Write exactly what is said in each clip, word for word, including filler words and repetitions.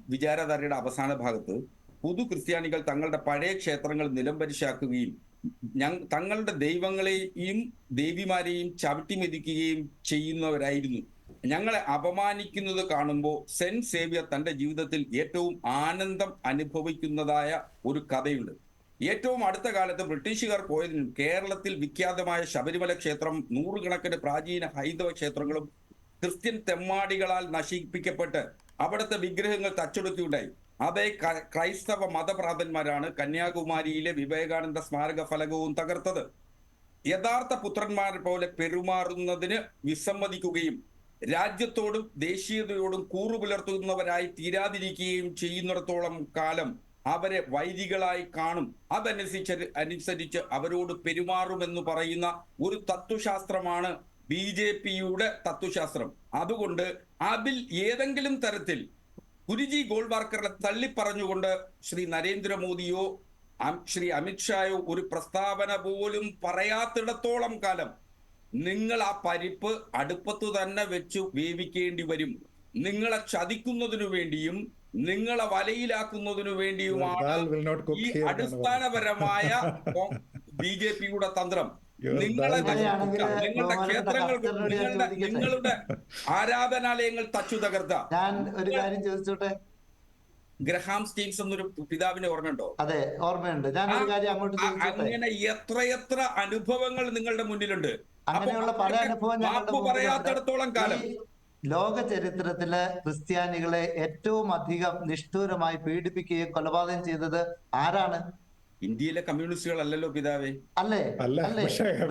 വിചാരധാരയുടെ അവസാന ഭാഗത്ത് പുതു ക്രിസ്ത്യാനികൾ തങ്ങളുടെ പഴയ ക്ഷേത്രങ്ങൾ നിലംപരിശാക്കുകയും തങ്ങളുടെ ദൈവങ്ങളെയും ദേവിമാരെയും ചവിട്ടി മെതിക്കുകയും ചെയ്യുന്നവരായിരുന്നു. ഞങ്ങളെ അപമാനിക്കുന്നത് കാണുമ്പോൾ സെന്റ് സേവ്യർ തന്റെ ജീവിതത്തിൽ ഏറ്റവും ആനന്ദം അനുഭവിക്കുന്നതായ ഒരു കഥയുണ്ട്. ഏറ്റവും അടുത്ത കാലത്ത് ബ്രിട്ടീഷുകാർ പോയതിനും കേരളത്തിൽ വിഖ്യാതമായ ശബരിമല ക്ഷേത്രം, നൂറുകണക്കിന് പ്രാചീന ഹൈന്ദവ ക്ഷേത്രങ്ങളും ക്രിസ്ത്യൻ തെമ്മാടികളാൽ നശിപ്പിക്കപ്പെട്ട് അവിടുത്തെ വിഗ്രഹങ്ങൾ തച്ചൊടുക്കുകയുണ്ടായി. അതേ ക്രൈസ്തവ മതഭ്രാന്തന്മാരാണ് കന്യാകുമാരിയിലെ വിവേകാനന്ദ സ്മാരക ഫലകവും തകർത്തത്. യഥാർത്ഥ പുത്രന്മാരെ പോലെ പെരുമാറുന്നതിന് വിസമ്മതിക്കുകയും രാജ്യത്തോടും ദേശീയതയോടും കൂറുപുലർത്തുന്നവരായി തീരാതിരിക്കുകയും ചെയ്യുന്നിടത്തോളം കാലം അവരെ വൈദികളായി കാണും. അതനുസരിച്ച് അനുസരിച്ച് അവരോട് പെരുമാറുമെന്ന് പറയുന്ന ഒരു തത്വശാസ്ത്രമാണ് ബി ജെ പിയുടെ തത്വശാസ്ത്രം. അതുകൊണ്ട് അതിൽ ഏതെങ്കിലും തരത്തിൽ ഗുരുജി ഗോൾവാർക്കറെ തള്ളിപ്പറഞ്ഞുകൊണ്ട് ശ്രീ നരേന്ദ്രമോദിയോ ശ്രീ അമിത്ഷായോ ഒരു പ്രസ്താവന പോലും പറയാത്തിടത്തോളം കാലം നിങ്ങൾ ആ പരിപ്പ് അടുപ്പത്ത് തന്നെ വെച്ച് വേവിക്കേണ്ടി വരും. നിങ്ങളെ ചതിക്കുന്നതിനു വേണ്ടിയും നിങ്ങളെ വലയിലാക്കുന്നതിനു വേണ്ടിയുമാണ് ഈ അടിസ്ഥാനപരമായ ബി ജെ പിയുടെ തന്ത്രം. നിങ്ങളെ നിങ്ങളുടെ ക്ഷേത്രങ്ങൾ, നിങ്ങളുടെ നിങ്ങളുടെ ആരാധനാലയങ്ങൾ തച്ചു തകർത്ത. ഞാൻ ഒരു കാര്യം ചോദിച്ചോട്ടെ, ഗ്രഹാം സ്റ്റീൻസ് എന്നൊരു പിതാവിനെ ഓർമ്മയുണ്ടോ? അതെ, ഓർമ്മയുണ്ട്. ഞാൻ ഒരു കാര്യം അങ്ങോട്ട് അങ്ങനെ എത്രയെത്ര അനുഭവങ്ങൾ നിങ്ങളുടെ മുന്നിലുണ്ട്. അങ്ങനെയുള്ള പല അനുഭവം പറയാത്തിടത്തോളം കാലം ലോക ചരിത്രത്തില് ക്രിസ്ത്യാനികളെ ഏറ്റവും അധികം നിഷ്ഠൂരമായി പീഡിപ്പിക്കുകയും കൊലപാതകം ചെയ്തത് ആരാണ്? ഇന്ത്യയിലെ കമ്മ്യൂണിസ്റ്റുകൾ അല്ലല്ലോ പിതാവേ. അല്ലേ? അല്ലേ?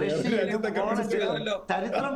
ചരിത്രം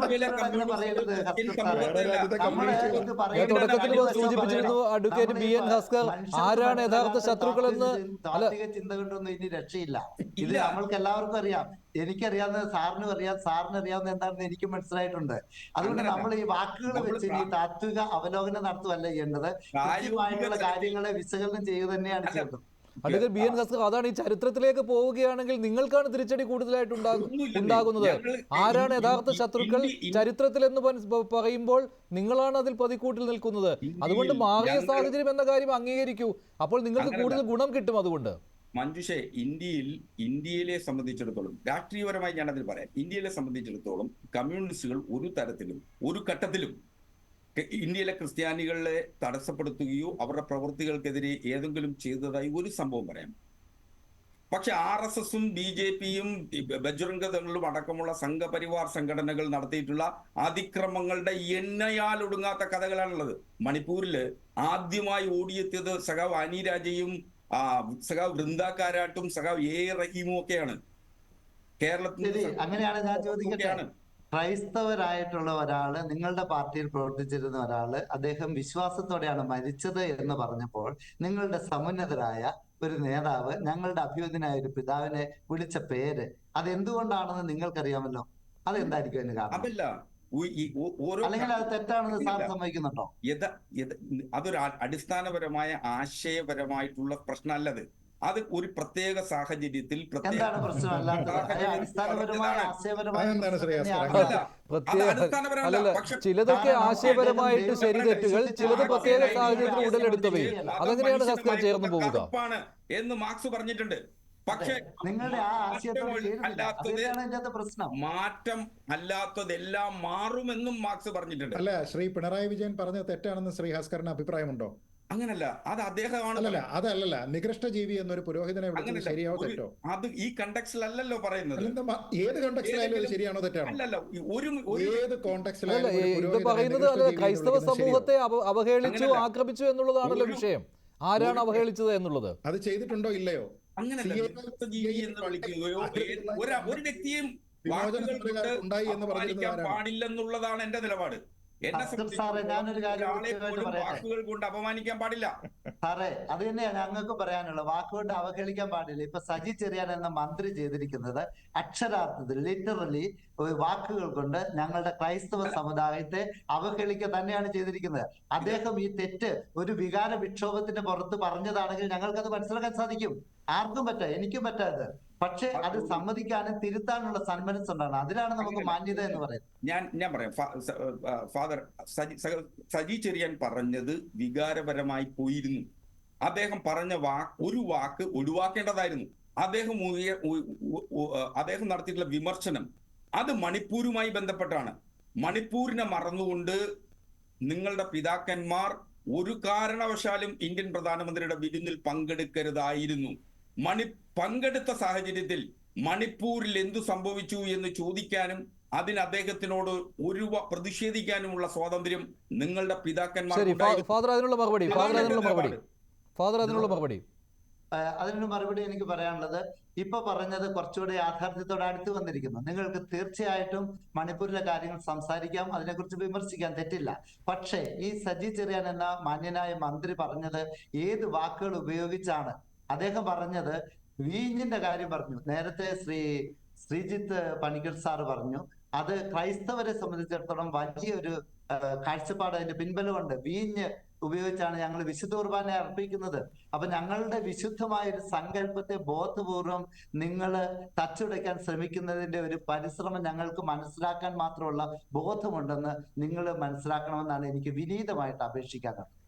സൂചിപ്പിച്ചിരുന്നു അഡ്വക്കേറ്റ് ബി എൻ ഭാസ്കർ ആരാണ് യഥാർത്ഥ ശത്രുക്കൾ എന്ന്. താത്വിക ചിന്ത കൊണ്ടൊന്നും ഇനി രക്ഷയില്ല. ഇത് നമ്മൾക്ക് എല്ലാവർക്കും അറിയാം. എനിക്കറിയാവുന്ന സാറിനും അറിയാം, സാറിന് അറിയാവുന്ന എന്താണെന്ന് എനിക്ക് മനസ്സിലായിട്ടുണ്ട്. അതുകൊണ്ട് നമ്മൾ ഈ വാക്കുകൾ വെച്ച് ഈ താത്വിക അവലോകനം നടത്തുകയല്ല ചെയ്യേണ്ടത്, കൃത്യമായിട്ടുള്ള കാര്യങ്ങളെ വിശകലനം ചെയ്യുക തന്നെയാണ് ചെയ്യേണ്ടത്. അഡ്വക്കേറ്റ് ബി എൻ ഭാസ്കർ, അതാണ് ഈ ചരിത്രത്തിലേക്ക് പോവുകയാണെങ്കിൽ നിങ്ങൾക്കാണ് തിരിച്ചടി കൂടുതലായിട്ട് ഉണ്ടാകുന്നത്. ആരാണ് യഥാർത്ഥ ശത്രുക്കൾ ചരിത്രത്തിൽ എന്ന് പറയുമ്പോൾ നിങ്ങളാണ് അതിൽ പതിക്കൂട്ടിൽ നിൽക്കുന്നത്. അതുകൊണ്ട് മാറിയ സാഹചര്യം എന്ന കാര്യം അംഗീകരിക്കൂ. അപ്പോൾ നിങ്ങൾക്ക് കൂടുതൽ ഗുണം കിട്ടും. അതുകൊണ്ട് മഞ്ജുഷേ, ഇന്ത്യയിൽ ഇന്ത്യയിലെ സംബന്ധിച്ചിടത്തോളം രാഷ്ട്രീയപരമായി ഞാൻ അതിൽ പറയാം, ഇന്ത്യയിലെ സംബന്ധിച്ചിടത്തോളം കമ്മ്യൂണിസ്റ്റുകൾ ഒരു തരത്തിലും ഒരു ഘട്ടത്തിലും ഇന്ത്യയിലെ ക്രിസ്ത്യാനികളെ തടസ്സപ്പെടുത്തുകയോ അവരുടെ പ്രവൃത്തികൾക്കെതിരെ ഏതെങ്കിലും ചെയ്തതായി ഒരു സംഭവം പറയാം. പക്ഷെ ആർ എസ് എസും ബി ജെ പിയും ബജ്രംഗ് ദളും അടക്കമുള്ള സംഘപരിവാർ സംഘടനകൾ നടത്തിയിട്ടുള്ള അതിക്രമങ്ങളുടെ എണ്ണയാൽ ഒടുങ്ങാത്ത കഥകളാണുള്ളത്. മണിപ്പൂരില് ആദ്യമായി ഓടിയെത്തിയത് സഖാവ് അനി രാജയും സഖാവ് വൃന്ദാകാരാട്ടും സഖാവ് എ റഹീമും ഒക്കെയാണ്. കേരളത്തിൽ അങ്ങനെയാണ് ഞാൻ ചോദിക്കട്ടെ, ക്രൈസ്തവരായിട്ടുള്ള ഒരാള്, നിങ്ങളുടെ പാർട്ടിയിൽ പ്രവർത്തിച്ചിരുന്ന ഒരാള്, അദ്ദേഹം വിശ്വാസത്തോടെയാണ് മരിച്ചത് എന്ന് പറഞ്ഞപ്പോൾ നിങ്ങളുടെ സമുന്നതരായ ഒരു നേതാവ് ഞങ്ങളുടെ അഭ്യുദയനായ ഒരു പിതാവിനെ വിളിച്ച പേര് അതെന്തുകൊണ്ടാണെന്ന് നിങ്ങൾക്കറിയാമല്ലോ. അതെന്തായിരിക്കും അതിന് കാരണം? അല്ലെങ്കിൽ അത് തെറ്റാണെന്ന് സാർ സമ്മതിക്കുന്നുണ്ടോ? അതൊരു അടിസ്ഥാനപരമായ ആശയപരമായിട്ടുള്ള പ്രശ്നമല്ലത്. അത് ഒരു പ്രത്യേക സാഹചര്യത്തിൽ ചിലതൊക്കെ ആശയപരമായിട്ട് ശരി തെറ്റുകൾ, ചിലത് പ്രത്യേക സാഹചര്യത്തിൽ ഉടലെടുത്തവയും അതെങ്ങനെയാണ് ശാസ്ത്രം ചേർന്ന് പോവുക എന്ന് മാർക്സ് പറഞ്ഞിട്ടുണ്ട്. പക്ഷെ നിങ്ങളുടെ ആ ആശയത്തോട് പ്രശ്നം മാറ്റം അല്ലാത്തതെല്ലാം മാറുമെന്നും മാർക്സ് പറഞ്ഞിട്ടുണ്ട്. അല്ല, ശ്രീ പിണറായി വിജയൻ പറഞ്ഞത് തെറ്റാണെന്ന് ശ്രീ ഭാസ്കറിന് അഭിപ്രായമുണ്ടോ? അങ്ങനല്ല, അത് അദ്ദേഹമാണ്. അതല്ല, നികൃഷ്ട ജീവി എന്നൊരു പുരോഹിതനെ ശരിയാവോ തെറ്റോ? അത് ഈ കണ്ടക്സ്റ്റിലല്ലോ പറയുന്നത്. ഏത് കോണ്ടെക്സ്റ്റിലായാലും ശരിയാണോ തെറ്റാണോ? അല്ലല്ല, ഒരു ഏത് കോണ്ടെക്സ്റ്റിലായാലും പറയുന്നത് ക്രൈസ്തവ സമൂഹത്തെ അവഹേളിച്ചു, ആക്രമിച്ചു എന്നുള്ളതാണല്ലോ വിഷയം. ആരാണ് അവഹേളിച്ചത് എന്നുള്ളത്. അത് ചെയ്തിട്ടുണ്ടോ ഇല്ലയോ? അങ്ങനല്ല, ജീവി എന്ന് വിളിക്കുകയോ ഒരു വ്യക്തിയും ഉണ്ടായി എന്ന് പറഞ്ഞാൽ പാടില്ലെന്നുള്ളതാണ് എന്റെ നിലപാട്. എന്നെ വാക്കുകൾ കൊണ്ട് അപമാനിക്കാൻ പാടില്ല സാറേ. അത് തന്നെയാണ് ഞങ്ങൾക്ക് പറയാനുള്ളത്. വാക്കുകൊണ്ട് അവഹേളിക്കാൻ പാടില്ല. ഇപ്പൊ സജി ചെറിയാൻ എന്ന മന്ത്രി ചെയ്തിരിക്കുന്നത് അക്ഷരാർത്ഥത്തിൽ ലിറ്ററലി വാക്കുകൾ കൊണ്ട് ഞങ്ങളുടെ ക്രൈസ്തവ സമുദായത്തെ അവഹേളിക്കുക തന്നെയാണ് ചെയ്തിരിക്കുന്നത്. അദ്ദേഹം ഈ തെറ്റ് ഒരു വികാര വിക്ഷോഭത്തിന്റെ പുറത്ത് പറഞ്ഞതാണെങ്കിൽ ഞങ്ങൾക്കത് മനസ്സിലാക്കാൻ സാധിക്കും. ആർക്കും പറ്റാ, എനിക്കും പറ്റാത്. പക്ഷെ അത് സമ്മതിക്കാനും തിരുത്താനുള്ള സന്മനസ് ഉണ്ടാണ്. അതിലാണ് നമുക്ക് മാന്യത എന്ന് പറയുന്നത്. ഞാൻ ഞാൻ പറയാം ഫാ- സ- ആ, ഫാദർ സജി സ- സജി ചെറിയാൻ പറഞ്ഞത് വികാരപരമായി പോയിരുന്നു. അദ്ദേഹം പറഞ്ഞ വാക്ക് ഒരു വാക്ക് ഒഴിവാക്കേണ്ടതായിരുന്നു. അദ്ദേഹം ഉയ- ഉ- ഉ- ഉ- അദ്ദേഹം നടത്തിയിട്ടുള്ള വിമർശനം അത് മണിപ്പൂരുമായി ബന്ധപ്പെട്ടാണ്. മണിപ്പൂരിനെ മറന്നുകൊണ്ട് നിങ്ങളുടെ പിതാക്കന്മാർ ഒരു കാരണവശാലും ഇന്ത്യൻ പ്രധാനമന്ത്രിയുടെ വിരുന്നിൽ പങ്കെടുക്കരുതായിരുന്നു. മണി പങ്കെടുത്ത സാഹചര്യത്തിൽ മണിപ്പൂരിൽ എന്തു സംഭവിച്ചു എന്ന് ചോദിക്കാനും അതിന് അദ്ദേഹത്തിനോട് ഒരു വ- പ്രതിഷേധിക്കാനുമുള്ള സ്വാതന്ത്ര്യം നിങ്ങളുടെ ശരി, പിതാക്കന്മാർ ഫാ- ഫാദർ അതിനുള്ള മറുപടി ഫാദർ അതിനുള്ള മറുപടി ഫാദർ അതിനുള്ള മറുപടി ആ, അതിനൊരു മറുപടി എനിക്ക് പറയാനുള്ളത്, ഇപ്പൊ പറഞ്ഞത് കുറച്ചുകൂടി യാഥാർത്ഥ്യത്തോട് അടുത്ത് വന്നിരിക്കുന്നു. നിങ്ങൾക്ക് തീർച്ചയായിട്ടും മണിപ്പൂരിലെ കാര്യങ്ങൾ സംസാരിക്കാം, അതിനെക്കുറിച്ച് വിമർശിക്കാൻ തെറ്റില്ല. പക്ഷേ ഈ സജി ചെറിയാൻ എന്ന മാന്യനായ മന്ത്രി പറഞ്ഞത് ഏത് വാക്കുകൾ ഉപയോഗിച്ചാണ്? അദ്ദേഹം പറഞ്ഞത് വീഞ്ഞിന്റെ കാര്യം പറഞ്ഞു. നേരത്തെ ശ്രീ ശ്രീജിത്ത് പണിക്കർ സാറ് പറഞ്ഞു അത് ക്രൈസ്തവരെ സംബന്ധിച്ചിടത്തോളം വലിയൊരു ആ, കാഴ്ചപ്പാട്, അതിന്റെ പിൻബലമുണ്ട്. വീഞ്ഞ് ഉപയോഗിച്ചാണ് ഞങ്ങൾ വിശുദ്ധ കുർബാന അർപ്പിക്കുന്നത്. അപ്പൊ ഞങ്ങളുടെ വിശുദ്ധമായ ഒരു സങ്കല്പത്തെ ബോധപൂർവം നിങ്ങൾ തച്ചുടയ്ക്കാൻ ശ്രമിക്കുന്നതിന്റെ ഒരു പരിശ്രമം ഞങ്ങൾക്ക് മനസ്സിലാക്കാൻ മാത്രമുള്ള ബോധമുണ്ടെന്ന് നിങ്ങൾ മനസ്സിലാക്കണമെന്നാണ് എനിക്ക് വിനീതമായിട്ട് അപേക്ഷിക്കാനുള്ളത്.